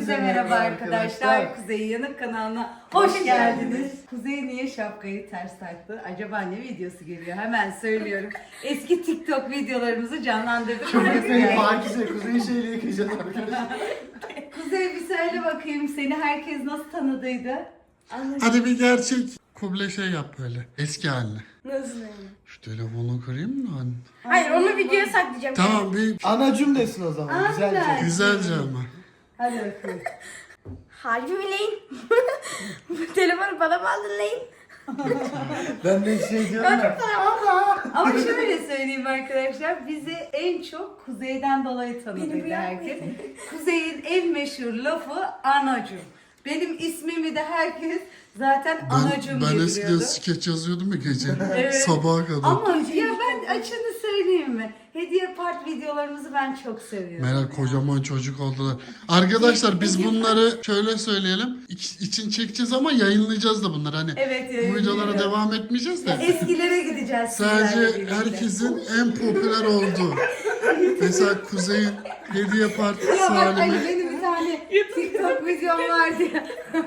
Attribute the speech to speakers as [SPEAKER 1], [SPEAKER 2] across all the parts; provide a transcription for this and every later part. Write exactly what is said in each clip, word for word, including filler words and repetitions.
[SPEAKER 1] Herkese merhaba arkadaşlar. Kuzey Yanık kanalına hoş geldiniz. Kuzey niye şapkayı ters taktı? Acaba ne videosu geliyor? Hemen söylüyorum. Eski TikTok videolarımızı canlandırdık.
[SPEAKER 2] Çok Kuzey, Pakize, Kuzey'in şeyle yıkayacağız arkadaşlar.
[SPEAKER 1] Kuzey bir söyle bakayım, seni herkes nasıl tanıdıydı?
[SPEAKER 3] Hadi bir gerçek kuble şey yap böyle. Eski haline.
[SPEAKER 4] Nasıl yani?
[SPEAKER 3] Şu telefonu kırayım mı anne?
[SPEAKER 4] Hayır onu videoya saklayacağım.
[SPEAKER 3] Tamam bir
[SPEAKER 2] Anacım desin o zaman.
[SPEAKER 1] Aynen.
[SPEAKER 2] Güzelce.
[SPEAKER 3] güzelce ama.
[SPEAKER 1] Hadi bakalım.
[SPEAKER 4] Harbi mi lan? Bu telefonu bana mı aldın lan?
[SPEAKER 2] Ben de şey diyorum ya.
[SPEAKER 1] Ama şöyle söyleyeyim arkadaşlar, bizi en çok Kuzey'den dolayı
[SPEAKER 4] Beni
[SPEAKER 1] tanıdıydı
[SPEAKER 4] bu
[SPEAKER 1] herkes. Kuzey'in en meşhur lafı anacım. Benim ismimi de herkes zaten
[SPEAKER 3] Ben,
[SPEAKER 1] anacım
[SPEAKER 3] ben
[SPEAKER 1] diye
[SPEAKER 3] eskiden
[SPEAKER 1] biliyordu.
[SPEAKER 3] skeç yazıyordum ya gece.
[SPEAKER 1] Evet.
[SPEAKER 3] Sabaha kadar.
[SPEAKER 1] Ama ya ben açını söyleyeyim mi? Hediye part videolarımızı ben çok seviyorum.
[SPEAKER 3] Meral kocaman çocuk oldular. Arkadaşlar biz bunları şöyle söyleyelim. İç- için çekeceğiz ama yayınlayacağız da bunları. Hani
[SPEAKER 1] Evet,
[SPEAKER 3] bu videolara
[SPEAKER 1] yayınlayacağız.
[SPEAKER 3] devam etmeyeceğiz de.
[SPEAKER 1] Eskilere gideceğiz. sizlerle
[SPEAKER 3] Sadece
[SPEAKER 1] birlikte.
[SPEAKER 3] herkesin en popüler olduğu. Mesela Kuzey'in hediye partisi
[SPEAKER 1] Ya bak hani
[SPEAKER 3] halimi.
[SPEAKER 1] benim bir tane TikTok videom vardı ya.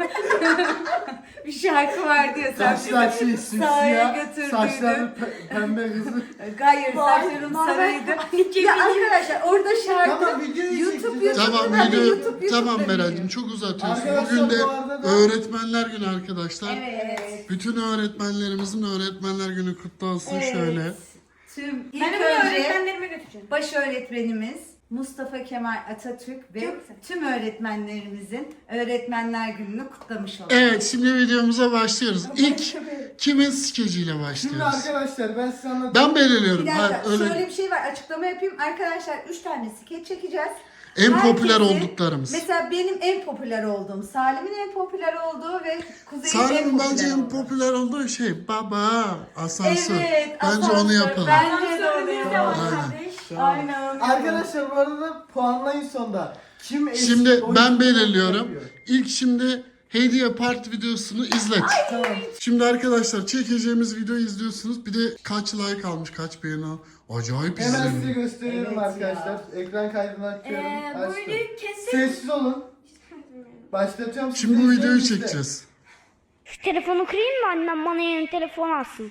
[SPEAKER 1] Bir şarkı vardı ya. Sen
[SPEAKER 2] Saçlar şey
[SPEAKER 1] bizi sahaya
[SPEAKER 2] simsiyah,
[SPEAKER 1] götürdüydün.
[SPEAKER 2] saçlar pe- pembe hızlı.
[SPEAKER 1] Hayır, saçlarım sarıydı. Ya arkadaşlar orada şarkı
[SPEAKER 2] Tamam, videoyu
[SPEAKER 1] YouTube
[SPEAKER 2] çekeceğiz.
[SPEAKER 1] YouTube'da
[SPEAKER 3] Tamam
[SPEAKER 1] ben de
[SPEAKER 3] video,
[SPEAKER 1] YouTube
[SPEAKER 3] tamam
[SPEAKER 1] YouTube'da
[SPEAKER 3] Meral'cim
[SPEAKER 1] biliyorum.
[SPEAKER 3] çok uzatıyorsun.
[SPEAKER 2] Arkadaşlar,
[SPEAKER 3] Bugün de
[SPEAKER 2] bu arada da-
[SPEAKER 3] öğretmenler günü arkadaşlar.
[SPEAKER 1] Evet.
[SPEAKER 3] Bütün öğretmenlerimizin öğretmenler günü kutlu olsun
[SPEAKER 1] Evet.
[SPEAKER 3] şöyle.
[SPEAKER 1] Tüm ilk
[SPEAKER 4] Ben onu
[SPEAKER 1] önce
[SPEAKER 4] öğretmenlerime götüreceğim.
[SPEAKER 1] baş öğretmenimiz Mustafa Kemal Atatürk ve
[SPEAKER 4] Çok güzel.
[SPEAKER 1] tüm öğretmenlerimizin Öğretmenler Günü'nü kutlamış olduk.
[SPEAKER 3] Evet şimdi videomuza başlıyoruz. İlk kimin skeciyle
[SPEAKER 2] Şimdi
[SPEAKER 3] başlıyoruz?
[SPEAKER 2] arkadaşlar ben size anlatayım.
[SPEAKER 3] Ben belirliyorum.
[SPEAKER 1] Bir
[SPEAKER 3] Hayır,
[SPEAKER 1] dakika
[SPEAKER 3] öyle
[SPEAKER 1] şöyle bir şey var, açıklama yapayım. Arkadaşlar üç tane skeç çekeceğiz.
[SPEAKER 3] en popüler
[SPEAKER 1] Herkesi-
[SPEAKER 3] olduklarımız.
[SPEAKER 1] Mesela benim en popüler olduğum, Salim'in en popüler olduğu ve Kuzey'in en
[SPEAKER 3] Salim
[SPEAKER 1] popüler
[SPEAKER 3] bence en
[SPEAKER 1] olduğu.
[SPEAKER 3] popüler olduğu şey baba asansör.
[SPEAKER 1] Evet,
[SPEAKER 3] Bence
[SPEAKER 1] asansör.
[SPEAKER 3] onu yapalım.
[SPEAKER 1] Bence de onu
[SPEAKER 4] Asansörümüz de var
[SPEAKER 1] yapalım.
[SPEAKER 4] kardeş.
[SPEAKER 1] Aynen onu yapalım.
[SPEAKER 2] Arkadaşlar bu arada puanlayın sonda. Kim eski
[SPEAKER 3] Şimdi
[SPEAKER 2] oyuncu
[SPEAKER 3] ben belirliyorum.
[SPEAKER 2] yapıyor?
[SPEAKER 3] İlk şimdi hediye part videosunu izlet.
[SPEAKER 2] Tamam.
[SPEAKER 3] Şimdi arkadaşlar çekeceğimiz videoyu izliyorsunuz. Bir de kaç like almış, kaç beğeni al. Acayip
[SPEAKER 2] Hemen size
[SPEAKER 3] izleniyor.
[SPEAKER 2] gösteriyorum
[SPEAKER 1] Evet
[SPEAKER 2] arkadaşlar. Ekran kaydını açıyorum.
[SPEAKER 4] Ee, bu
[SPEAKER 2] Açtım.
[SPEAKER 4] videoyu kesin.
[SPEAKER 2] Sessiz olun. Başlatıyorum. siz
[SPEAKER 3] Şimdi
[SPEAKER 2] de
[SPEAKER 3] bu videoyu
[SPEAKER 2] izleyin.
[SPEAKER 3] çekeceğiz.
[SPEAKER 5] Şu telefonu kırayım mı annem bana yeni telefon alsın.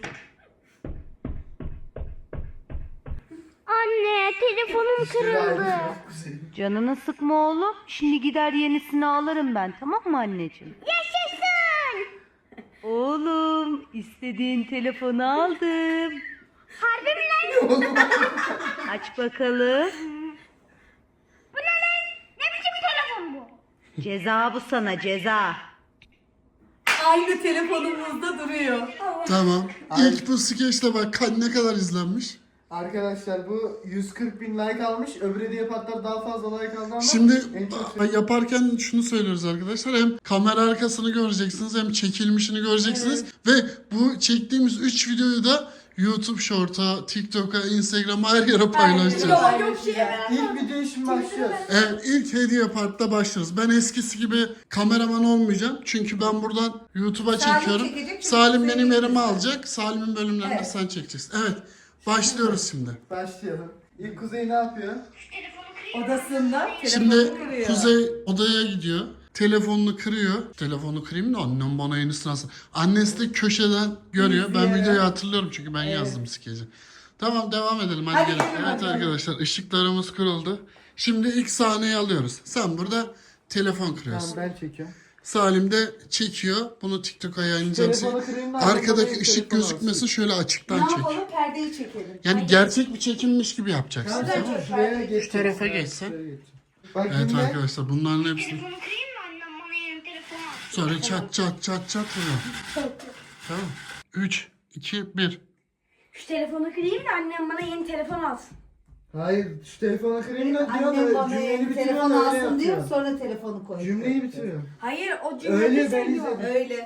[SPEAKER 5] Anne telefonum kırıldı.
[SPEAKER 6] Canını sıkma oğlum. Şimdi gider yenisini alırım ben, tamam mı anneciğim?
[SPEAKER 5] Yaşasın.
[SPEAKER 6] Oğlum istediğin telefonu aldım.
[SPEAKER 5] Harbi mi lan?
[SPEAKER 6] Aç bakalım.
[SPEAKER 5] Bu ne lan? Ne biçim telefon bu?
[SPEAKER 6] Ceza bu sana, ceza.
[SPEAKER 1] Aynı telefonumuzda duruyor.
[SPEAKER 3] Tamam. İlk bu skeçte bak ka- ne kadar izlenmiş.
[SPEAKER 2] Arkadaşlar bu yüz kırk bin like almış. Öbür hediye patlar daha fazla like aldı ama
[SPEAKER 3] Şimdi
[SPEAKER 2] en çok
[SPEAKER 3] a- yaparken şunu söylüyoruz arkadaşlar. Hem kamera arkasını göreceksiniz hem çekilmişini göreceksiniz. Ve bu çektiğimiz üç videoyu da YouTube Short'a, TikTok'a, Instagram'a her yere paylaşacağız.
[SPEAKER 4] Yok, yok şey ben.
[SPEAKER 2] İlk videoya şimdi başlıyoruz.
[SPEAKER 3] Evet ilk hediye partta başlıyoruz. Ben eskisi gibi kameraman olmayacağım. Çünkü ben buradan YouTube'a
[SPEAKER 1] Salim
[SPEAKER 3] çekiyorum.
[SPEAKER 1] çekecek çünkü
[SPEAKER 3] Salim
[SPEAKER 1] Kuzey'in
[SPEAKER 3] benim yerimi
[SPEAKER 1] videosu.
[SPEAKER 3] alacak. Salim'in bölümlerini
[SPEAKER 1] Evet.
[SPEAKER 3] sen çekeceksin. Evet başlıyoruz şimdi.
[SPEAKER 2] Başlayalım. İlk Kuzey ne yapıyor?
[SPEAKER 1] Odasında
[SPEAKER 3] Şimdi
[SPEAKER 1] telefonu kırıyor.
[SPEAKER 3] Kuzey odaya gidiyor. Telefonunu kırıyor. Telefonu kırayım da annem bana yenisini alsın. Annesi de köşeden görüyor. Ben
[SPEAKER 1] İzliyor.
[SPEAKER 3] videoyu hatırlıyorum çünkü ben yazdım skeci. Tamam devam edelim hadi,
[SPEAKER 1] Hadi
[SPEAKER 3] gelin.
[SPEAKER 1] gelin
[SPEAKER 3] Evet
[SPEAKER 1] bakalım.
[SPEAKER 3] arkadaşlar ışıklarımız kırıldı. Şimdi ilk sahneyi alıyoruz. Sen burada telefon kırıyorsun.
[SPEAKER 2] Tamam ben çekiyorum.
[SPEAKER 3] Salim de çekiyor. Bunu TikTok'a yayınlayacağım.
[SPEAKER 2] Telefonu kırayım da annem
[SPEAKER 3] Arkadaki
[SPEAKER 2] bana
[SPEAKER 3] ışık
[SPEAKER 2] telefon
[SPEAKER 3] gözükmesin
[SPEAKER 2] alsın.
[SPEAKER 3] şöyle
[SPEAKER 1] Ne
[SPEAKER 3] açıktan çek.
[SPEAKER 1] yapalım? Perdeyi çekelim.
[SPEAKER 3] Yani gerçek bir çekilmiş gibi yapacaksın.
[SPEAKER 2] Tamam,
[SPEAKER 1] Güzel,
[SPEAKER 2] tamam,
[SPEAKER 1] çok
[SPEAKER 2] şuraya
[SPEAKER 1] fark
[SPEAKER 2] geç.
[SPEAKER 3] tarafa geçsen.
[SPEAKER 2] Şuraya geç. Bak
[SPEAKER 3] Evet
[SPEAKER 2] şimdi
[SPEAKER 3] arkadaşlar bunların hepsini.
[SPEAKER 5] Telefonu kırayım mı annem bana yeni telefon alsın.
[SPEAKER 3] Sonra çat çat çat çat vuruyor. Tamam. üç, iki, bir.
[SPEAKER 4] Şu telefonu kırayım da annem bana yeni telefon alsın.
[SPEAKER 2] hayır şu telefonu kırayım da diyor
[SPEAKER 1] Annem
[SPEAKER 2] da
[SPEAKER 1] bana
[SPEAKER 2] cümleyi
[SPEAKER 1] yeni
[SPEAKER 2] bitiriyor
[SPEAKER 1] telefon
[SPEAKER 2] da öyle
[SPEAKER 1] alsın diyor,
[SPEAKER 2] yapıyor.
[SPEAKER 1] sonra telefonu koyuyor.
[SPEAKER 2] Cümleyi bitiriyor.
[SPEAKER 4] Hayır o
[SPEAKER 2] Öyle
[SPEAKER 4] cümleyi
[SPEAKER 2] ben
[SPEAKER 4] söylüyor.
[SPEAKER 2] izledim.
[SPEAKER 1] Öyle.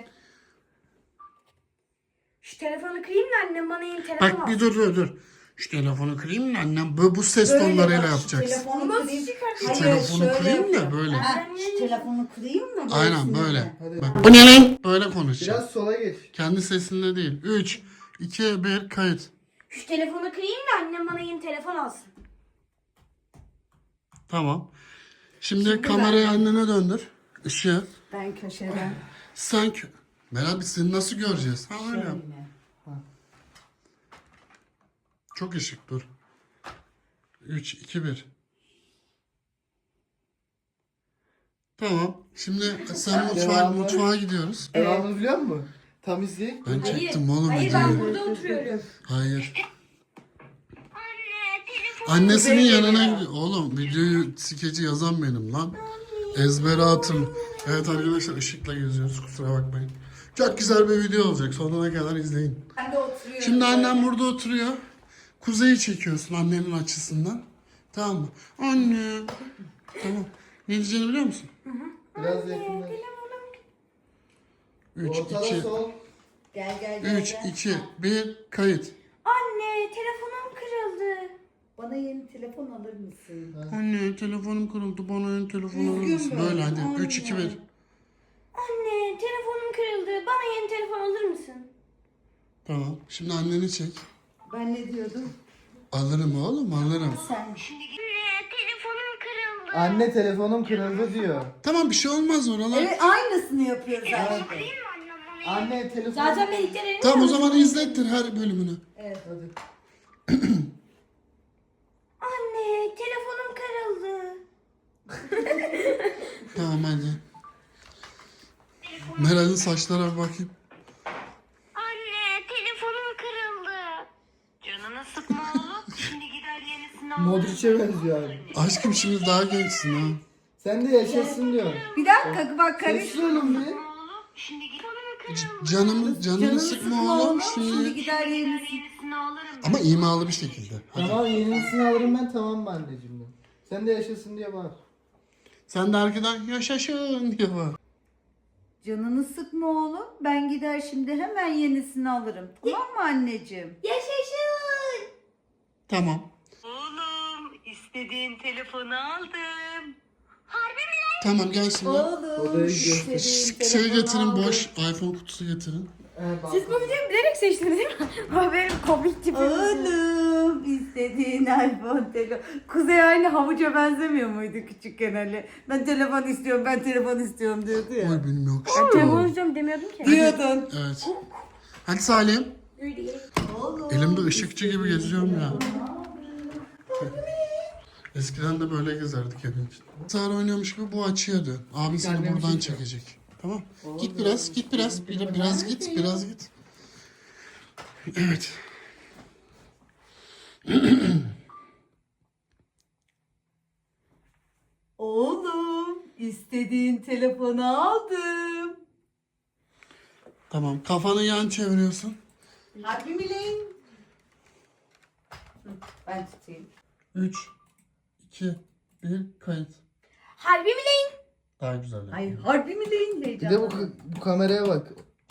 [SPEAKER 4] Şu telefonu kırayım da annem bana yeni telefon alsın.
[SPEAKER 3] Bak bir dur dur dur. Şu telefonu kırayım mı annem? Bu, bu ses
[SPEAKER 1] Böyle
[SPEAKER 3] tonlarıyla
[SPEAKER 1] bak, şu
[SPEAKER 3] yapacaksın.
[SPEAKER 1] Telefonu
[SPEAKER 4] Nasıl
[SPEAKER 1] kırayım.
[SPEAKER 4] çıkartıyorsun?
[SPEAKER 1] Hayır,
[SPEAKER 3] Telefonu
[SPEAKER 1] şöyle
[SPEAKER 3] kırayım da
[SPEAKER 1] yapıyor.
[SPEAKER 3] böyle.
[SPEAKER 1] Ha, şu telefonu kırayım mı?
[SPEAKER 3] Aynen
[SPEAKER 1] Böylesine
[SPEAKER 3] böyle.
[SPEAKER 1] de.
[SPEAKER 2] Hadi.
[SPEAKER 3] Bak, bu ne lan? Böyle konuşacağım.
[SPEAKER 2] Biraz sola geç.
[SPEAKER 3] Kendi sesinde değil. üç, iki, bir kayıt.
[SPEAKER 4] Şu telefonu kırayım da annem bana yeni telefon alsın.
[SPEAKER 3] Tamam. Şimdi kamerayı annene döndür. Işığı.
[SPEAKER 1] Ben köşeden.
[SPEAKER 3] Sen kö... Meral biz seni nasıl göreceğiz? Ha öyle.
[SPEAKER 1] Şöyle.
[SPEAKER 3] Çok ışık dur. üç, iki, bir. Tamam. Şimdi sen mutfağa,
[SPEAKER 2] Devamı.
[SPEAKER 3] mutfağa gidiyoruz.
[SPEAKER 2] Devamını biliyor musun? Tam izleyek.
[SPEAKER 3] Ben çektim oğlum
[SPEAKER 4] Hayır ben
[SPEAKER 3] videoyu.
[SPEAKER 4] burada oturuyorum.
[SPEAKER 3] Hayır.
[SPEAKER 5] Anne telefon.
[SPEAKER 3] Annesinin yanına gidiyor. Oğlum videoyu skeci yazan benim lan. Ezbere atın. Evet arkadaşlar ışıkla geziyoruz kusura bakmayın. Çok güzel bir video olacak. Sonuna kadar izleyin.
[SPEAKER 1] Ben de oturuyorum.
[SPEAKER 3] Şimdi annem burada oturuyor. Kuzeyi çekiyorsun annenin açısından. Tamam mı? Anne. Tamam. Ne diyeceğini biliyor musun?
[SPEAKER 2] Biraz yakınlaş.
[SPEAKER 3] üç,
[SPEAKER 2] Ortada
[SPEAKER 3] iki,
[SPEAKER 2] sol.
[SPEAKER 1] Gel gel gel.
[SPEAKER 3] üç,
[SPEAKER 1] gel.
[SPEAKER 3] iki, bir, kayıt.
[SPEAKER 4] Anne telefonum kırıldı.
[SPEAKER 1] Bana yeni telefon alır mısın?
[SPEAKER 3] Anne telefonum kırıldı. Bana yeni telefon alır
[SPEAKER 1] Üzgün
[SPEAKER 3] mısın?
[SPEAKER 1] böyle.
[SPEAKER 3] Böyle hadi.
[SPEAKER 1] Aynen.
[SPEAKER 3] üç, iki, bir.
[SPEAKER 4] Anne telefonum kırıldı. Bana yeni telefon alır mısın?
[SPEAKER 3] Tamam. Şimdi anneni çek.
[SPEAKER 1] Ben ne diyordum?
[SPEAKER 3] Alırım oğlum alırım.
[SPEAKER 1] Sen.
[SPEAKER 5] Anne telefonum kırıldı.
[SPEAKER 2] Anne telefonum kırıldı diyor.
[SPEAKER 3] Tamam bir şey olmaz oralar.
[SPEAKER 1] Evet aynısını yapıyor zaten.
[SPEAKER 5] Değil mi annem bana?
[SPEAKER 2] Anne telefon.
[SPEAKER 4] Zaten ben ilk denedim.
[SPEAKER 3] Tamam o zaman izlettir her bölümünü.
[SPEAKER 1] Evet.
[SPEAKER 2] Hadi.
[SPEAKER 4] Anne telefonum kırıldı.
[SPEAKER 3] Tamam hadi. Meral'in saçlara bir bakayım.
[SPEAKER 5] Anne telefonum kırıldı.
[SPEAKER 6] Canını sıkma oğlum. Şimdi gider yenisini alırım.
[SPEAKER 2] Modric'e benziyor abi.
[SPEAKER 3] Aşkım şimdi daha gençsin ha.
[SPEAKER 2] Sen de yaşasın diyor.
[SPEAKER 1] Bir dakika bak karış.
[SPEAKER 2] Sesli olun bir.
[SPEAKER 6] Oğlum şimdi gider
[SPEAKER 3] C- Canımı, canını
[SPEAKER 1] Canını
[SPEAKER 3] sıkma oğlum
[SPEAKER 1] Şimdi
[SPEAKER 3] şimdi.
[SPEAKER 1] gider yenisi.
[SPEAKER 6] yenisini alırım.
[SPEAKER 3] Ama imalı bir şekilde. Hadi.
[SPEAKER 2] Tamam yenisini alırım ben tamam mı anneciğim ben. Sen de yaşasın diye bağır.
[SPEAKER 3] Sen de arkadan yaşasın diye var.
[SPEAKER 1] Canını sıkma oğlum. Ben gider şimdi hemen yenisini alırım. Tamam mı anneciğim?
[SPEAKER 4] Yaşasın.
[SPEAKER 3] Tamam.
[SPEAKER 6] Oğlum istediğin telefonu aldım.
[SPEAKER 3] Tamam gel şimdi.
[SPEAKER 1] Oğlum.
[SPEAKER 2] Odaya
[SPEAKER 3] Şş,
[SPEAKER 2] gidiyor.
[SPEAKER 3] şş, şey getirin boş iPhone kutusu getirin.
[SPEAKER 2] Ee, bak.
[SPEAKER 4] Siz bu videoyu bilerek seçtiniz değil mi? O benim komik tipim.
[SPEAKER 1] Oğlum istediğin iPhone telefon. Kuzey aynı havuca benzemiyor muydu küçükken Ali? Ben telefon istiyorum, ben telefon istiyorum diyordu ya.
[SPEAKER 3] Oy benim yok.
[SPEAKER 4] Ben telefon istiyorum demiyordum ki.
[SPEAKER 1] Diyordun.
[SPEAKER 3] Evet. Hadi Salim.
[SPEAKER 1] Oğlum.
[SPEAKER 3] Elimde ışıkçı gibi geziyorum ya. Eskiden de böyle gezerdik evin içinde. Sağır oynuyormuş gibi bu açıya dön. Abin seni
[SPEAKER 2] Kendine
[SPEAKER 3] buradan
[SPEAKER 2] bir şey
[SPEAKER 3] çekecek. Tamam. Git biraz, git biraz, bir- biraz git, biraz git. Evet.
[SPEAKER 1] Oğlum istediğin telefonu aldım.
[SPEAKER 3] Tamam. Kafanı yan çeviriyorsun.
[SPEAKER 1] Harbi mi lan? Hı, ben tutayım.
[SPEAKER 3] üç, iki, bir, kayıt.
[SPEAKER 4] Harbi mi lan?
[SPEAKER 3] Daha güzel. yani.
[SPEAKER 1] Ay harbi mi lan
[SPEAKER 2] Bir
[SPEAKER 1] heyecanlı.
[SPEAKER 2] de bu, bu kameraya bak.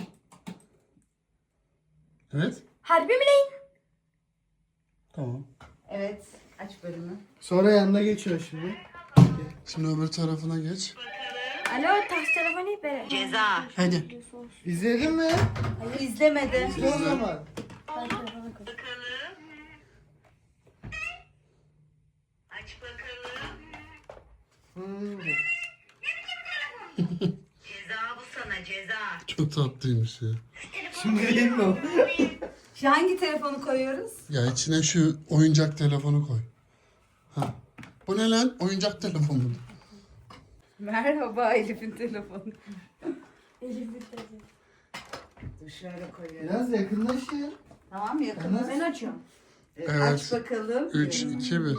[SPEAKER 3] Evet.
[SPEAKER 4] Harbi mi lan?
[SPEAKER 3] Tamam.
[SPEAKER 1] Evet aç bölümü.
[SPEAKER 2] Sonra yanına geçiyor şimdi.
[SPEAKER 3] Şimdi öbür tarafına geç.
[SPEAKER 4] Alo taş telefonu hep böyle.
[SPEAKER 6] Ceza.
[SPEAKER 3] Hadi.
[SPEAKER 2] İzledin mi?
[SPEAKER 1] Hayır izlemedi.
[SPEAKER 2] İzle o zaman.
[SPEAKER 6] Bakalım. Aç bakalım.
[SPEAKER 2] Hmm.
[SPEAKER 6] Ceza bu sana ceza.
[SPEAKER 3] Çok tatlıymış ya.
[SPEAKER 2] Şimdi değil mi o?
[SPEAKER 1] Şu hangi telefonu koyuyoruz?
[SPEAKER 3] Ya içine şu oyuncak telefonu koy. Ha. Bu ne lan? Oyuncak telefonu.
[SPEAKER 1] Merhaba Elif'in telefonu.
[SPEAKER 4] Elif bir telefon.
[SPEAKER 1] Dur şöyle koyuyorum.
[SPEAKER 2] Biraz yakınlaş ya.
[SPEAKER 1] Tamam yakınız.
[SPEAKER 4] Ben açıyorum.
[SPEAKER 1] Evet.
[SPEAKER 3] Evet.
[SPEAKER 1] Aç bakalım.
[SPEAKER 3] üç, iki, bir.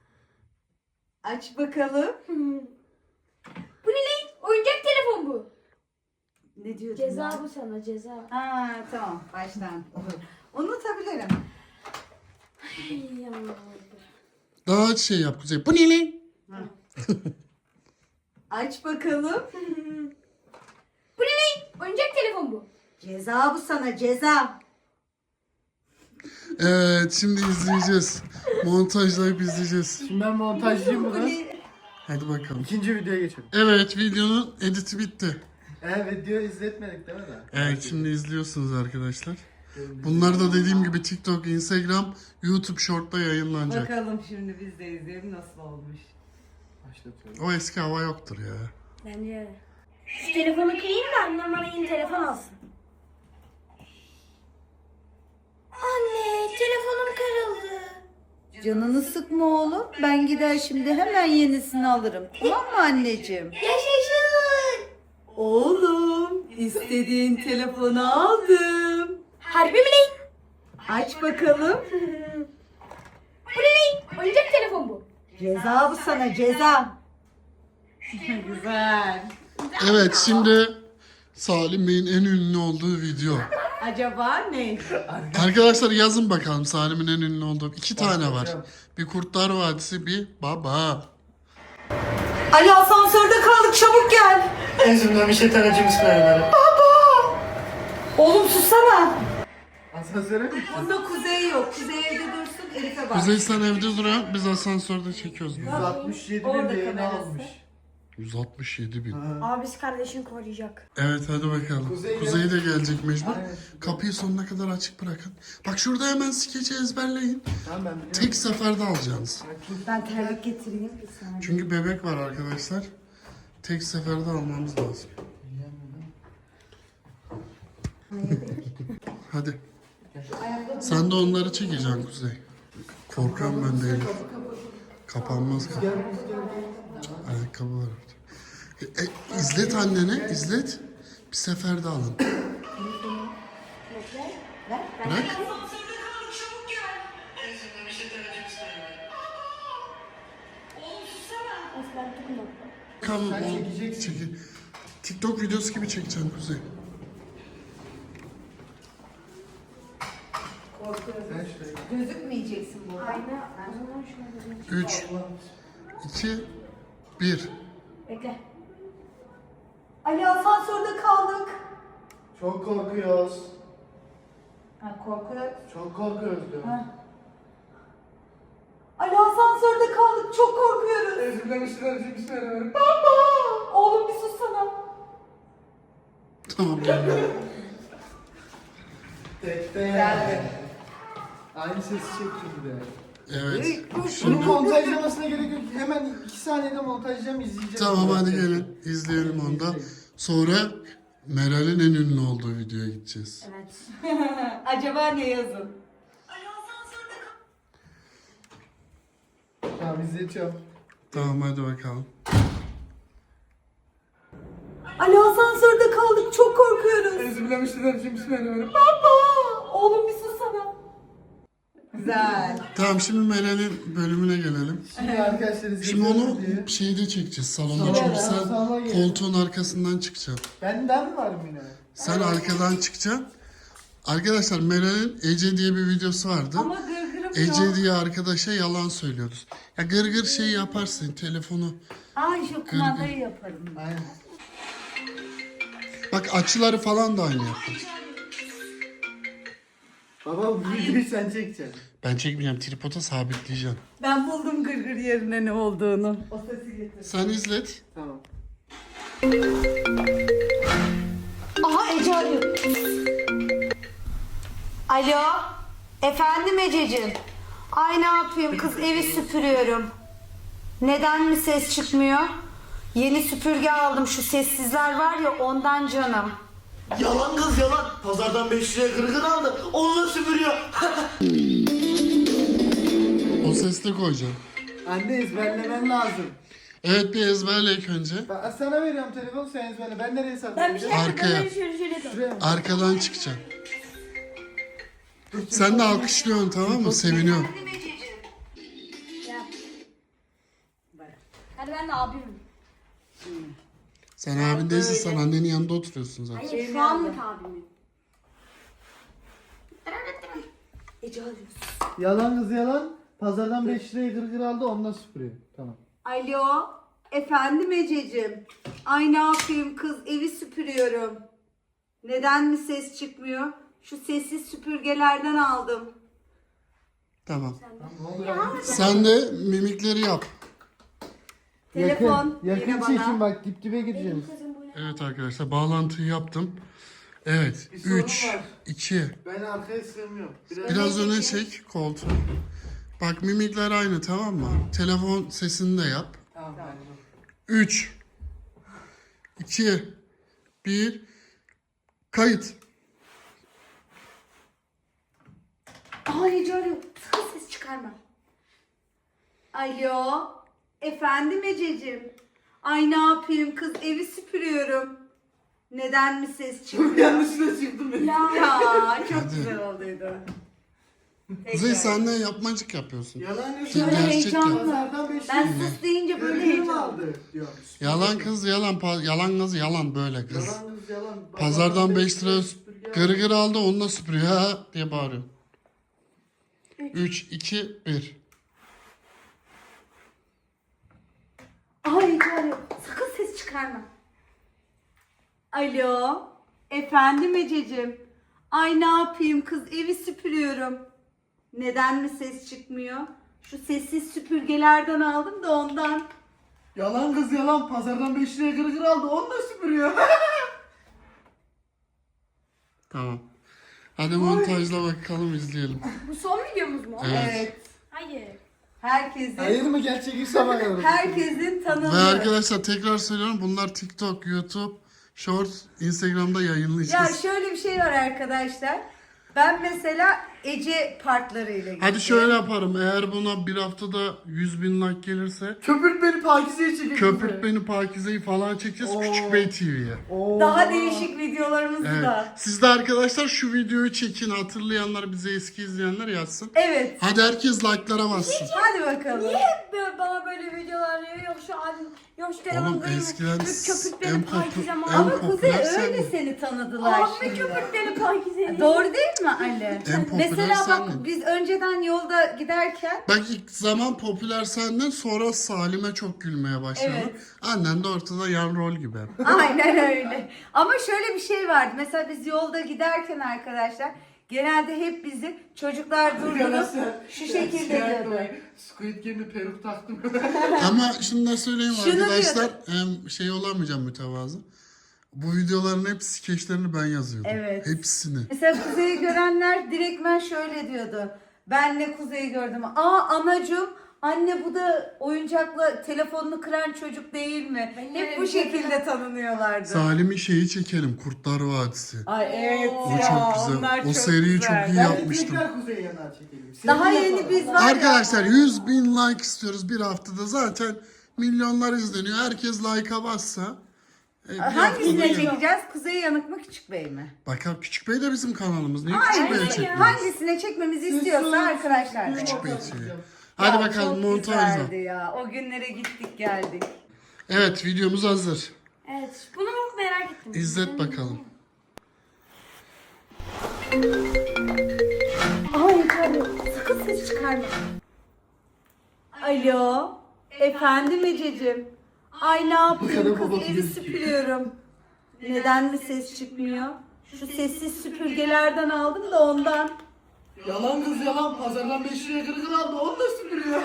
[SPEAKER 1] Aç bakalım.
[SPEAKER 4] Bu ne lan? Oyuncak telefon bu.
[SPEAKER 1] Ne diyordun
[SPEAKER 4] Ceza
[SPEAKER 1] ya?
[SPEAKER 4] bu sana ceza.
[SPEAKER 1] Ha tamam baştan. Unutabilirim.
[SPEAKER 4] Ay, Allah.
[SPEAKER 3] Daha şey yap Kuzey. Bu ne lan?
[SPEAKER 1] Aç bakalım.
[SPEAKER 4] Bu ne lan? Oyuncak telefon bu.
[SPEAKER 1] Ceza bu sana ceza.
[SPEAKER 3] Evet şimdi izleyeceğiz. Montajlayıp izleyeceğiz.
[SPEAKER 2] Şimdi ben montajcıyım
[SPEAKER 1] Bu
[SPEAKER 2] bunu.
[SPEAKER 1] ne?
[SPEAKER 3] Hadi bakalım.
[SPEAKER 2] İkinci videoya geçelim.
[SPEAKER 3] Evet videonun editi bitti.
[SPEAKER 2] Ee video izletmedik değil mi daha?
[SPEAKER 3] Evet şimdi izliyorsunuz arkadaşlar. Bunlar da dediğim gibi TikTok, Instagram, YouTube Short'ta yayınlanacak.
[SPEAKER 1] Bakalım şimdi biz de izleyelim nasıl olmuş.
[SPEAKER 2] Başlatıyorum.
[SPEAKER 3] O eski hava yoktur ya.
[SPEAKER 4] Bence öyle. Şu telefonu kırayım da annem bana yeni telefon alsın. Anne telefonum kırıldı.
[SPEAKER 1] Canını sıkma oğlum. Ben gider şimdi hemen yenisini alırım. Tamam mı anneciğim?
[SPEAKER 4] Yaşasın.
[SPEAKER 1] Oğlum istediğin telefonu aldım.
[SPEAKER 4] Harbi mi lan?
[SPEAKER 1] Aç bakalım.
[SPEAKER 4] Bu ne lan? Oyuncak telefon bu.
[SPEAKER 1] Ceza bu sana ceza. Güzel.
[SPEAKER 3] Evet şimdi Salim Bey'in en ünlü olduğu video.
[SPEAKER 1] Acaba ne?
[SPEAKER 3] Arkadaşlar yazın bakalım Salim'in en ünlü olduğu. İki tane var. Bir Kurtlar Vadisi, bir Baba.
[SPEAKER 1] Ali asansörde kaldık çabuk gel.
[SPEAKER 2] Enzimden bir şey tanıcı bismillahirrahmanirrahim.
[SPEAKER 1] Oğlum sussana.
[SPEAKER 2] Asansöre mi?
[SPEAKER 1] Bunda Kuzey yok. Kuzey evde dursun Elif'e bak.
[SPEAKER 3] Kuzey sen evde duruyor, biz asansörde çekiyoruz.
[SPEAKER 2] yüz altmış yedi bin
[SPEAKER 1] Orada
[SPEAKER 2] beğeni
[SPEAKER 1] kamerası.
[SPEAKER 2] almış.
[SPEAKER 3] yüz altmış yedi bin.
[SPEAKER 4] Abisi kardeşini koruyacak.
[SPEAKER 3] Evet hadi bakalım.
[SPEAKER 2] Kuzey
[SPEAKER 3] Kuzey,
[SPEAKER 2] ya.
[SPEAKER 3] de gelecek mecbur.
[SPEAKER 2] Aynen.
[SPEAKER 3] Kapıyı sonuna kadar açık bırakın. Bak şurada hemen skeci ezberleyin.
[SPEAKER 2] Tamam ben biliyorum.
[SPEAKER 3] Tek seferde alacaksınız.
[SPEAKER 1] Ben terlik getireyim.
[SPEAKER 3] Çünkü bebek var arkadaşlar. Tek seferde almamız lazım. Hadi. Sen de onları çekeceksin Kuzey. Korkuyorum ben de Elif. Kapanmaz kapı. Ayakkabı var orada. E, e, izlet annene, izlet. Bir seferde alın. Bırak. Bakalım
[SPEAKER 2] Sen
[SPEAKER 3] o
[SPEAKER 2] çekeceksin.
[SPEAKER 3] çeki- TikTok videosu gibi çekeceksin Kuzey.
[SPEAKER 2] Sen şuraya.
[SPEAKER 1] Gözükmeyeceksin bu.
[SPEAKER 4] Aynen.
[SPEAKER 3] üç, iki, bir.
[SPEAKER 4] Bekle.
[SPEAKER 1] Ali asansörde kaldık.
[SPEAKER 2] Çok korkuyoruz.
[SPEAKER 1] Ha korkuyor.
[SPEAKER 2] Çok korkuyoruz diyorum.
[SPEAKER 1] Ha. Ali asansörde kaldık. Çok korkuyoruz.
[SPEAKER 2] Enzimden bir şey tanıcı bismillahirrahmanirrahim.
[SPEAKER 1] Oğlum bir sussana.
[SPEAKER 3] Tamam gel.
[SPEAKER 2] Tekte.
[SPEAKER 1] Geldi.
[SPEAKER 2] Aynı sesi çekti bir de.
[SPEAKER 3] Evet.
[SPEAKER 2] Bunu
[SPEAKER 3] Şimdi
[SPEAKER 2] montajlamasına gerek yok. Hemen iki saniyede montajlayacağım izleyeceğim.
[SPEAKER 3] tamam hadi gelin izleyelim onu da. Sonra Meral'in en ünlü olduğu videoya gideceğiz.
[SPEAKER 4] Evet.
[SPEAKER 1] Acaba ne yazın?
[SPEAKER 2] Tamam izleyeceğim.
[SPEAKER 3] Tamam hadi bakalım.
[SPEAKER 1] Ali asansörde kaldık. Çok korkuyoruz.
[SPEAKER 2] Enzimden bir şey tanıcı bismillahirrahmanirrahim.
[SPEAKER 1] Oğlum bir sussana. Güzel.
[SPEAKER 3] Tamam şimdi Meral'in bölümüne gelelim.
[SPEAKER 2] Şimdi arkadaşlar izleyeceğiz
[SPEAKER 3] Şimdi onu
[SPEAKER 2] diye.
[SPEAKER 3] şeyde çekeceğiz salonda
[SPEAKER 2] Salona,
[SPEAKER 3] çünkü sen
[SPEAKER 2] salona gel.
[SPEAKER 3] koltuğun arkasından çıkacaksın.
[SPEAKER 2] Benden mi var mı yine?
[SPEAKER 3] Sen arkadan çıkacaksın. Arkadaşlar Meral'in Ece diye bir videosu vardı.
[SPEAKER 1] Ama gırgırım
[SPEAKER 3] Ece
[SPEAKER 1] yok.
[SPEAKER 3] diye arkadaşa yalan söylüyoruz. Ya gırgır şey yaparsın telefonu.
[SPEAKER 1] Ay şu kumandayı yaparım.
[SPEAKER 2] Aynen.
[SPEAKER 3] Bak açıları falan da aynı yapar.
[SPEAKER 2] Baba bu videoyu sen çekeceksin.
[SPEAKER 3] Ben çekmeyeceğim tripoda sabitleyeceğim.
[SPEAKER 1] Ben buldum gırgır yerine ne olduğunu. O sesi getir.
[SPEAKER 3] Sen izlet.
[SPEAKER 2] Tamam.
[SPEAKER 1] Aha Ece arıyor. Alo. Efendim Ececiğim. Ay ne yapayım kız evi süpürüyorum. Neden mi ses çıkmıyor? Yeni süpürge aldım şu sessizler var ya ondan canım.
[SPEAKER 7] Yalan kız yalan. Pazardan beş liraya gırgır aldı. Onunla süpürüyor.
[SPEAKER 3] O sesle koyacağım.
[SPEAKER 2] Anne ezberlemen lazım.
[SPEAKER 3] Evet bir ezberle ilk önce.
[SPEAKER 2] Ben sana veriyorum telefonu sen ezberle. Ben nereye
[SPEAKER 4] Ben bir
[SPEAKER 2] saklayacağım?
[SPEAKER 4] şey
[SPEAKER 3] Arkaya.
[SPEAKER 4] Arkaya. Şöyle şöyle yapalım.
[SPEAKER 2] Şuraya mı?
[SPEAKER 3] Arkadan çıkacaksın. Sen de alkışlıyorsun tamam mı? Seviniyorsun.
[SPEAKER 4] Hadi ben de abimim.
[SPEAKER 3] Sen abin değilsin sen annenin yanında oturuyorsun zaten.
[SPEAKER 4] Hayır şu anlık abimim.
[SPEAKER 1] Ece arıyor.
[SPEAKER 2] Yalan kız yalan. Pazardan beş liraya gırgır aldı onunla süpürüyor. Tamam.
[SPEAKER 1] Alo. Efendim Ececiğim. Ay ne yapayım kız evi süpürüyorum. Neden mi ses çıkmıyor? Şu sessiz süpürgelerden aldım.
[SPEAKER 3] Tamam.
[SPEAKER 2] Ne oluyor?
[SPEAKER 3] Sen de mimikleri yap.
[SPEAKER 1] Telefon
[SPEAKER 2] Yakın, yakın
[SPEAKER 1] yine
[SPEAKER 2] çekim
[SPEAKER 1] bana.
[SPEAKER 2] bak dip dibe gireceğiz.
[SPEAKER 3] Evet arkadaşlar bağlantıyı yaptım. Evet.
[SPEAKER 2] Bir sorun
[SPEAKER 3] üç,
[SPEAKER 2] var.
[SPEAKER 3] iki.
[SPEAKER 2] Ben arkaya sığmıyorum. Biraz...
[SPEAKER 3] Biraz öne çek koltuğu. Bak mimikler aynı tamam mı? Telefon sesini de yap.
[SPEAKER 2] Tamam. Tamam.
[SPEAKER 3] üç, iki, bir. Kayıt.
[SPEAKER 1] Aa Ece arıyor. Sakın ses çıkarma. Alo. Efendim Ececiğim. Ay ne yapayım kız evi süpürüyorum. Neden mi ses çıkmıyor?
[SPEAKER 7] Yanlışlıkla çıktım ben.
[SPEAKER 1] Ya çok güzel olduydu.
[SPEAKER 3] Kuzey sen ne yapmacık yapıyorsun?
[SPEAKER 2] Yalan yok.
[SPEAKER 3] Şöyle
[SPEAKER 2] Yalan.
[SPEAKER 1] heyecanlı.
[SPEAKER 2] Pazardan beş
[SPEAKER 1] Ben
[SPEAKER 2] lira.
[SPEAKER 1] sus deyince böyle
[SPEAKER 2] Kırgını mı
[SPEAKER 1] heyecanlı.
[SPEAKER 2] aldı diyormuş.
[SPEAKER 3] Yalan kız yalan. Pa- yalan kız yalan böyle kız.
[SPEAKER 2] Yalan kız yalan.
[SPEAKER 3] Pazardan beş lira
[SPEAKER 2] süpürge aldı.
[SPEAKER 3] gırgır aldı onunla süpürüyor ha diye bağırıyor. üç, iki, bir.
[SPEAKER 1] Ay Ece arıyor. Sakın ses çıkarma. Alo. Efendim Ececiğim. Ay ne yapayım kız evi süpürüyorum. Neden mi ses çıkmıyor? Şu sessiz süpürgelerden aldım da ondan.
[SPEAKER 2] Yalan kız yalan. Pazardan beş liraya gırgır aldı. Onunla süpürüyor.
[SPEAKER 3] Tamam. Hadi montajla bakalım izleyelim.
[SPEAKER 4] Bu son videomuz mu?
[SPEAKER 3] Evet.
[SPEAKER 1] Evet.
[SPEAKER 4] Hayır.
[SPEAKER 1] Herkesin
[SPEAKER 2] Hayır mı gerçek iş yapamıyorum.
[SPEAKER 1] herkesin
[SPEAKER 3] Ve
[SPEAKER 1] tanıdığı.
[SPEAKER 3] arkadaşlar tekrar söylüyorum bunlar TikTok, YouTube, Shorts, Instagram'da
[SPEAKER 1] Ya
[SPEAKER 3] yayınlayacağız.
[SPEAKER 1] şöyle bir şey var arkadaşlar. Ben mesela Ece partlarıyla gittim.
[SPEAKER 3] Hadi şöyle yaparım. Eğer buna bir haftada yüz bin like gelirse
[SPEAKER 2] Köpürt beni Pakize'ye çekin.
[SPEAKER 3] Köpürt Beni Pakize'yi falan çekeceğiz
[SPEAKER 2] Oo.
[SPEAKER 3] Küçük Bey T V'ye.
[SPEAKER 1] Daha değişik videolarımızı
[SPEAKER 3] Evet.
[SPEAKER 1] da.
[SPEAKER 3] Siz de arkadaşlar şu videoyu çekin. Hatırlayanlar bize eski izleyenler yazsın.
[SPEAKER 1] Evet.
[SPEAKER 3] Hadi herkes like'lara bassın.
[SPEAKER 1] Hadi bakalım.
[SPEAKER 4] Böyle bana böyle videolar ya, yok şu an yok şu telefon
[SPEAKER 3] Oğlum
[SPEAKER 4] kayıyor,
[SPEAKER 3] eskiden
[SPEAKER 4] yok köpük
[SPEAKER 3] en
[SPEAKER 4] beni
[SPEAKER 3] popü-
[SPEAKER 4] pakize ama.
[SPEAKER 3] en
[SPEAKER 1] Ama
[SPEAKER 3] popüler
[SPEAKER 1] Kuzey
[SPEAKER 3] sen
[SPEAKER 1] öyle
[SPEAKER 3] mi?
[SPEAKER 1] seni tanıdılar
[SPEAKER 4] Abi
[SPEAKER 1] şimdi.
[SPEAKER 4] köpük beni pakize.
[SPEAKER 1] Doğru değil mi Ali?
[SPEAKER 3] En popüler
[SPEAKER 1] Mesela
[SPEAKER 3] sen
[SPEAKER 1] bak
[SPEAKER 3] mi?
[SPEAKER 1] biz önceden yolda giderken
[SPEAKER 3] Bak ilk zaman popüler senden sonra Salim'e çok gülmeye başladı.
[SPEAKER 1] Evet.
[SPEAKER 3] Annen de ortada yan rol gibi.
[SPEAKER 1] aynen öyle. Ama şöyle bir şey vardı. Mesela biz yolda giderken arkadaşlar genelde hep bizi çocuklar durdurup şu şekilde diyordu.
[SPEAKER 2] Squid Game'de peruk taktım.
[SPEAKER 3] Ama şunu da söyleyeyim
[SPEAKER 1] Şunu
[SPEAKER 3] arkadaşlar. Hem şey olamayacağım mütevazı. Bu videoların hep skeçlerini ben yazıyordum.
[SPEAKER 1] Evet.
[SPEAKER 3] Hepsini.
[SPEAKER 1] Mesela Kuzey'i görenler direktmen şöyle diyordu. Ben ne Kuzey'i gördüm. Aa anacığım anne bu da oyuncakla telefonunu kıran çocuk değil mi?
[SPEAKER 4] Ben
[SPEAKER 1] Hep
[SPEAKER 4] öyle
[SPEAKER 1] bu
[SPEAKER 4] bir şey
[SPEAKER 1] şekilde tanınıyorlardı.
[SPEAKER 3] Salim'in şeyi çekelim. Kurtlar Vadisi.
[SPEAKER 1] Ay evet
[SPEAKER 3] O
[SPEAKER 1] ya
[SPEAKER 3] çok güzel.
[SPEAKER 1] onlar
[SPEAKER 3] O
[SPEAKER 1] çok
[SPEAKER 3] seriyi
[SPEAKER 1] güzel.
[SPEAKER 3] çok iyi
[SPEAKER 2] Ben
[SPEAKER 3] yapmıştım.
[SPEAKER 2] tekrar Kuzey Yanar çekelim.
[SPEAKER 1] Daha
[SPEAKER 2] Sevgili
[SPEAKER 1] yeni
[SPEAKER 2] yapalım.
[SPEAKER 1] biz var ya.
[SPEAKER 3] Arkadaşlar yüz bin like istiyoruz bir haftada. Zaten milyonlar izleniyor. Herkes like'a bassa. e, bir haftada
[SPEAKER 1] Hangisine
[SPEAKER 3] gelir.
[SPEAKER 1] çekeceğiz? Kuzey Yanık mı Küçük Bey mi?
[SPEAKER 3] Bakalım Küçük Bey de bizim kanalımız. Niye Küçük
[SPEAKER 1] Aynen
[SPEAKER 3] Bey'e
[SPEAKER 1] ya.
[SPEAKER 3] çekmiyoruz?
[SPEAKER 1] Hangisine çekmemizi istiyorsa arkadaşlar. da.
[SPEAKER 3] Küçük Bey çekiyor. Hadi
[SPEAKER 1] Ya,
[SPEAKER 3] bakalım
[SPEAKER 1] çok
[SPEAKER 3] montajla.
[SPEAKER 1] güzeldi ya. O günlere gittik geldik.
[SPEAKER 3] Evet videomuz hazır.
[SPEAKER 4] Evet bunu çok merak ettim.
[SPEAKER 3] İzlet bakalım.
[SPEAKER 1] Ay canım sakın ses çıkarma. Alo. Efendim Ececiğim. Ay ne yapayım
[SPEAKER 2] kadar
[SPEAKER 1] kız
[SPEAKER 2] babası
[SPEAKER 1] evi
[SPEAKER 2] gözüküyor.
[SPEAKER 1] süpürüyorum. Neden mi ses çıkmıyor? Şu sessiz süpürgelerden aldım da ondan.
[SPEAKER 2] Yalan kız yalan. Pazardan beş liraya gırgır aldı. Onunla süpürüyor.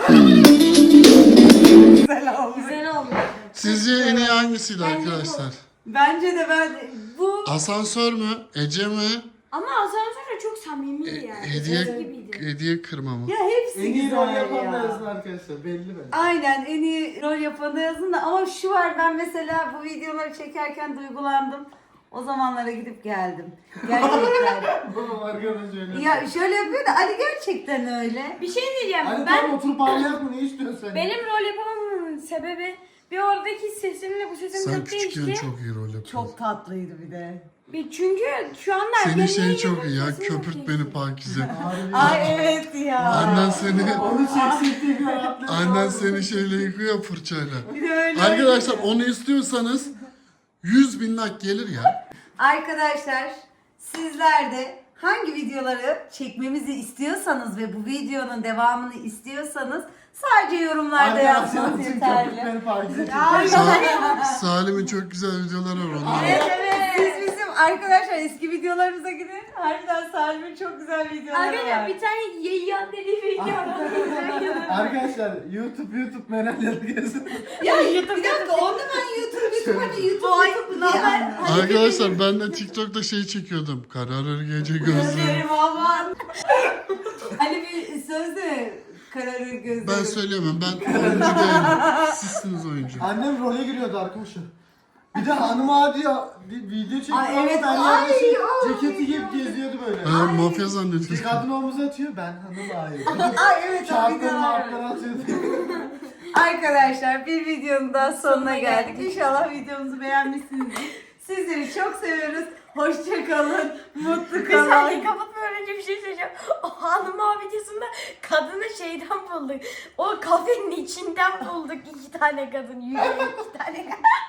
[SPEAKER 1] Güzel olmuş.
[SPEAKER 4] Güzel olmuş.
[SPEAKER 3] Sizce en iyi hangisiydi arkadaşlar?
[SPEAKER 1] Bence de ben bu
[SPEAKER 3] Asansör mü? Ece mi?
[SPEAKER 4] Ama asansörde çok samimiydi yani.
[SPEAKER 3] Hediye
[SPEAKER 4] Ses gibiydi.
[SPEAKER 3] hediye kırma mı?
[SPEAKER 1] ya hepsi
[SPEAKER 2] En iyi rol
[SPEAKER 1] güzel
[SPEAKER 2] yapan da
[SPEAKER 1] ya.
[SPEAKER 2] yazın arkadaşlar. Belli bence.
[SPEAKER 1] Aynen en iyi rol yapanı yazın da ama şu var ben mesela bu videoları çekerken duygulandım. O zamanlara gidip geldim. Gerçekten.
[SPEAKER 2] Babam arkadaş öyle.
[SPEAKER 1] ya şöyle yapıyor da Ali gerçekten öyle.
[SPEAKER 4] Bir şey diyeceğim.
[SPEAKER 2] Hadi
[SPEAKER 4] ben
[SPEAKER 2] tamam oturup ağlayak mı? Ne istiyorsun sen?
[SPEAKER 4] benim rol yapamamamın sebebi bir oradaki sesimle bu sesim
[SPEAKER 3] Sen
[SPEAKER 4] çok
[SPEAKER 3] küçükken
[SPEAKER 4] değişti.
[SPEAKER 3] çok iyi rol yapıyordun.
[SPEAKER 1] Çok tatlıydı bir de.
[SPEAKER 4] Bir çünkü şu anda
[SPEAKER 3] Senin
[SPEAKER 4] benim
[SPEAKER 3] şey
[SPEAKER 4] yayınım
[SPEAKER 3] çok iyi ya.
[SPEAKER 4] sesim çok
[SPEAKER 3] Köpürt
[SPEAKER 4] değişti.
[SPEAKER 3] beni Pakize.
[SPEAKER 2] Harbi.
[SPEAKER 1] Ay evet ya.
[SPEAKER 3] Annen seni
[SPEAKER 2] Onu çeksek diye bir rahatlıyor.
[SPEAKER 3] annen seni şeyle yıkıyor fırçayla.
[SPEAKER 1] Bir de öyle.
[SPEAKER 3] Arkadaşlar onu istiyorsanız yüz bin like gelir ya.
[SPEAKER 1] Arkadaşlar sizler de hangi videoları çekmemizi istiyorsanız ve bu videonun devamını istiyorsanız sadece yorumlarda yazmanız yeterli.
[SPEAKER 2] Köpük beni Pakize
[SPEAKER 1] Ay,
[SPEAKER 2] çekiyor.
[SPEAKER 3] Sa- Salim'in çok güzel videoları var onlar.
[SPEAKER 1] Evet evet. Siz bizim arkadaşlar eski videolarımıza gidin. Harbiden Salim'in çok güzel videoları
[SPEAKER 4] Arkadaşlar
[SPEAKER 1] var.
[SPEAKER 4] bir tane yayyan dediği video var.
[SPEAKER 2] Arkadaşlar YouTube YouTube Meral yazın.
[SPEAKER 1] Ya YouTube bir dakika onu ben YouTube YouTube hani YouTube YouTube ne haber?
[SPEAKER 3] Arkadaşlar ben de TikTok'ta şey çekiyordum. Kararır gece gözlerim.
[SPEAKER 1] Gözlerim aman. Hani bir sözde kararır gözlerim.
[SPEAKER 3] Ben söyleyemem. Ben oyuncu değilim. Sizsiniz oyuncu.
[SPEAKER 2] Annem role giriyordu arkadaşlar. Bir de hanım abi ya bir video çekiyor.
[SPEAKER 1] Ay, evet,
[SPEAKER 2] Ben
[SPEAKER 1] ay,
[SPEAKER 2] yaklaşık
[SPEAKER 1] o
[SPEAKER 2] ceketi giyip geziyordu böyle.
[SPEAKER 3] Ha, mafya
[SPEAKER 2] Bir
[SPEAKER 3] zannediyor.
[SPEAKER 2] kadın omuza atıyor ben hanım abi.
[SPEAKER 1] Ay evet o
[SPEAKER 2] Kağıtları
[SPEAKER 1] videolar.
[SPEAKER 2] markları atıyordu.
[SPEAKER 1] Arkadaşlar bir videonun daha sonuna geldik. İnşallah videomuzu beğenmişsinizdir. Sizleri çok seviyoruz. Hoşça kalın. Mutlu
[SPEAKER 4] Bir saniye
[SPEAKER 1] kalın.
[SPEAKER 4] kapatmadan önce bir şey söyleyeceğim. O hanım abi videosunda kadını şeyden bulduk. O kafenin içinden bulduk iki tane kadın. Yürüyen iki tane kadın.